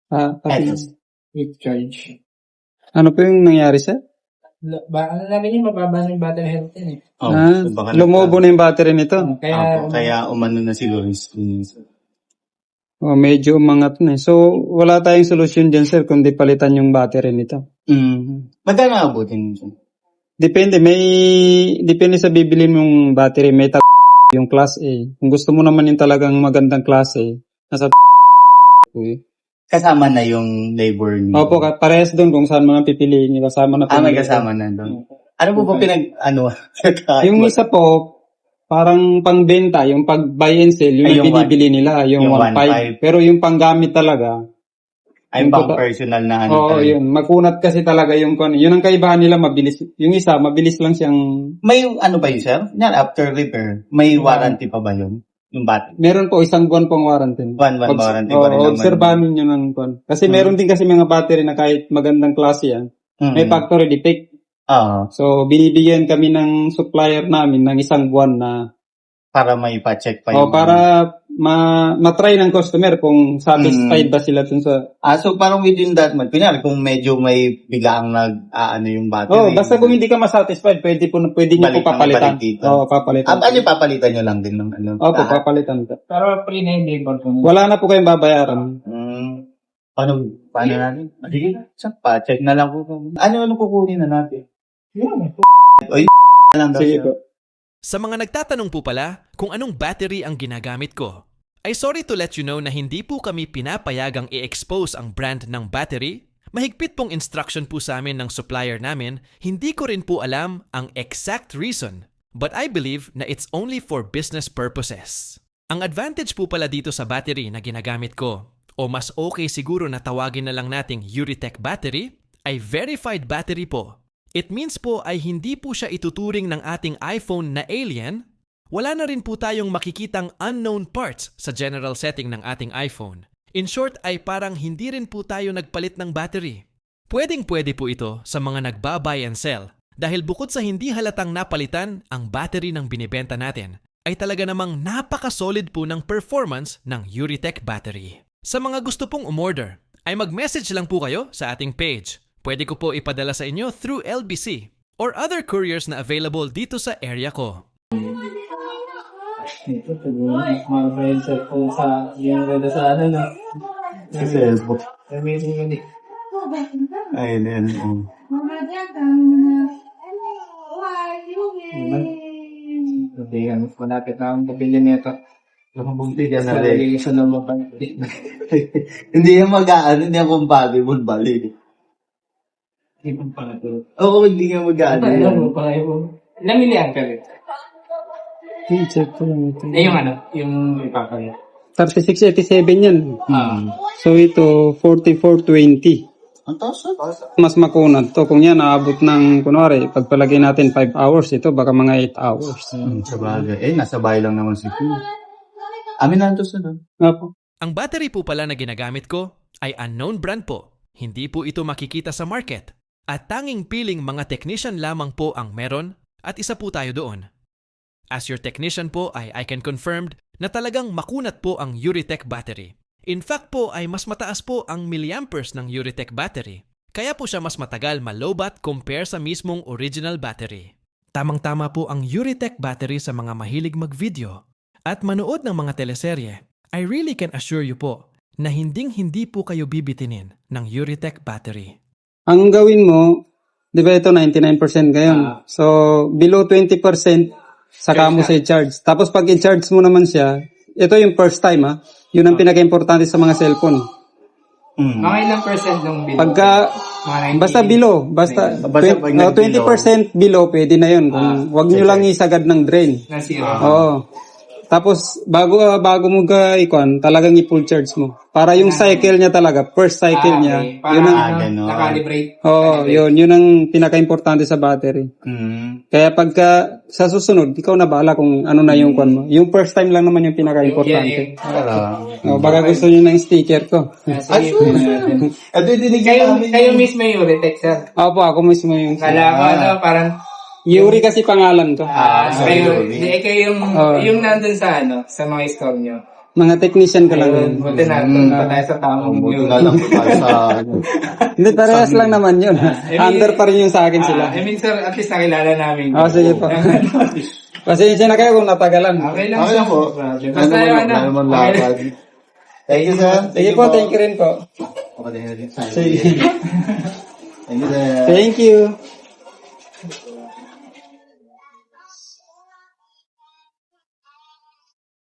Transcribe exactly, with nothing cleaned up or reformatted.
Ah, pati, Eto. Quick charge. ano po yung nangyari, sir? La- Ba, ano namin yung mababa ng battery health yun eh. Oh, ah, so baka lumobo na yung battery nito. Kaya, Opo, kaya umano na siguro. Oh, medyo umangat na. eh. So, wala tayong solusyon dyan, sir, kundi palitan yung battery nito. Mm. Magkano abutin nyo? Depende, may, depende sa bibilin mong battery. May tag yung class A. Kung gusto mo naman yung talagang magandang class A, nasa po eh. Kasama na yung labor niyo. Opo, ka- parehas doon kung saan mga pipiliin niyo. Kasama na po. Ah, may yung- kasama na doon. Ano po ba pinag, ano? Yung isa po, parang pangbenta, yung pag buy and sell, yung, Ay, yung binibili nila, yung, yung one point five. one point Pero yung panggamit talaga, Ay, yung pang tota- personal na ano. oo, talaga. yun. Magkunat kasi talaga yung kon. Yun ang kaibahan nila, mabilis. Yung isa, mabilis lang siyang, May ano ba yun, sir? Yan, after repair, may warranty pa ba yun? Yung battery? meron po isang buwan pong warranty. One, one Obs- warranty oo, pa rin naman. obserbahan ninyo ng kon. Kasi Hmm. meron din kasi mga battery na kahit magandang klase yan, Mm. may factory defect. Oo. So, binibigyan kami ng supplier namin ng isang buwan na, Para may pa-check pa o yung... para ma matry ng customer kung satisfied Mm. ba sila dun sa. Ah, so parang within that month, kunyari kung medyo may biglaang nag, ah, ano yung battery. Oh, basta kung hindi ka masatisfied, pwede po pwede niyo Balik po ng papalitan. balik dito. Oo, papalitan. Ah, ano yung papalitan nyo lang din ng ano? Opo, Ah, papalitan ka. pero free na yung labor ko. Wala na po kayong babayaran. mm, paano, paano natin? Ah, Sige, sa pa-check na lang po. Ano, ano kukunin na natin? Yun. Oy, na lang daw Sige siya. po. Sa mga nagtatanong po pala kung anong battery ang ginagamit ko, ay sorry to let you know na hindi po kami pinapayagang i-expose ang brand ng battery. Mahigpit pong instruction po sa amin ng supplier namin, hindi ko rin po alam ang exact reason, but I believe na it's only for business purposes. Ang advantage po pala dito sa battery na ginagamit ko, o mas okay siguro na tawagin na lang nating Euritech battery, ay verified battery po. It means po ay hindi po siya ituturing ng ating iPhone na alien. Wala na rin po tayong makikitang unknown parts sa general setting ng ating iPhone. In short ay parang hindi rin po tayo nagpalit ng battery. Pwedeng-pwede po ito sa mga nagba-buy and sell dahil bukod sa hindi halatang napalitan ang battery ng binibenta natin, ay talaga namang napaka-solid po ng performance ng Euritech battery. Sa mga gusto pong umorder, ay mag-message lang po kayo sa ating page. Pwede ko po ipadala sa inyo through L B C or other couriers na available dito sa area ko. Ito, siguro, mga friends ko sa, yung ganda sa ano na. Sa Facebook. Amazing yun eh. Ayun, ayun. oh. Hindi yan, malapit na akong pabili nito. Nakabunti ka na Sa rin. lagi sa lumabang. Hindi yan mag-aano, hindi yan compatible, bali. Ibang pala ito. Oo, hindi nga mag-aano. Alam yan. mo pa kayo. Ilang miliyan ka rin? Okay, check ko lang ito. Eh, yung ano, yung ipapaya. thirty-six eighty-seven yan. Ah. So ito, forty-four twenty. Ang taas ah. Mas makunat to. Kung yan, naabot ng, kunwari, pagpalagay natin five hours, ito baka mga eight hours. Hmm, sa bagay. Eh, nasa bahay lang naman si Kuya. Amin na ito sa doon. Nga po. Ang battery po pala na ginagamit ko ay unknown brand po. Hindi po ito makikita sa market. At tanging piling mga technician lamang po ang meron at isa po tayo doon. As your technician po ay I can confirm na talagang makunat po ang Euritech battery. In fact po ay mas mataas po ang milliamperes ng Euritech battery. Kaya po siya mas matagal malobat compare sa mismong original battery. Tamang-tama po ang Euritech battery sa mga mahilig mag-video at manood ng mga teleserye. I really can assure you po na hinding-hindi po kayo bibitinin ng Euritech battery. Ang gawin mo, di ba ito ninety-nine percent ngayon? So, below twenty percent, saka mo sa i-charge. Tapos pag i-charge mo naman siya, ito yung first time ha, yun ang pinaka-importante sa mga cellphone. Hmm. Mga ilang percent ng bill? Pagka, Mga ninety? basta below, basta, Basta pag twenty, oh, twenty percent below, pwede na yun. Kung, Ah, wag nyo lang isagad ng drain. Na zero. Oo. Tapos, bago ah, bago mo ga ikon, talagang i-full charge mo. Para yung cycle niya talaga, first cycle Ah, niya, okay. Para yun ang, Ah, ganun. nakalibrate. oo, yun, yun ang pinaka-importante sa battery. Hmm. Kaya pagka sa susunod, ikaw na bahala kung ano na yung kwan mo. Yung first time lang naman yung pinaka-importante. Para. Oh, baka gusto niyo ng sticker ko. Ah, sige. At dinigyan Kayo, namin kayo mismo yung Euritech, sir. Opo, ako mismo yung... Kala ko ano, parang, Yuri kasi pangalan ko. ah, Ah, kayo, sorry. di, kayo yung, Oh. yung nandun sa ano, sa mga store nyo. Mga technician ko lang yun. Ayun, buti na, doon pa tayo sa tamang Buti yun. na lang po tayo sa ano. Hindi, parehas lang naman yun. mean- Under pa rin yung sa akin sila. Ah, I mean, sir, at least nakilala namin. Ah, sige po. Pasensya na kayo kung natagalan. Okay lang, Okay sir. lang po. No problem. Ano Basta naman, yung wala ano. naman okay. lakad. Thank you, sir. Sige po, thank you rin po. Okay, thank you. Sige. Thank you, sir. Thank you.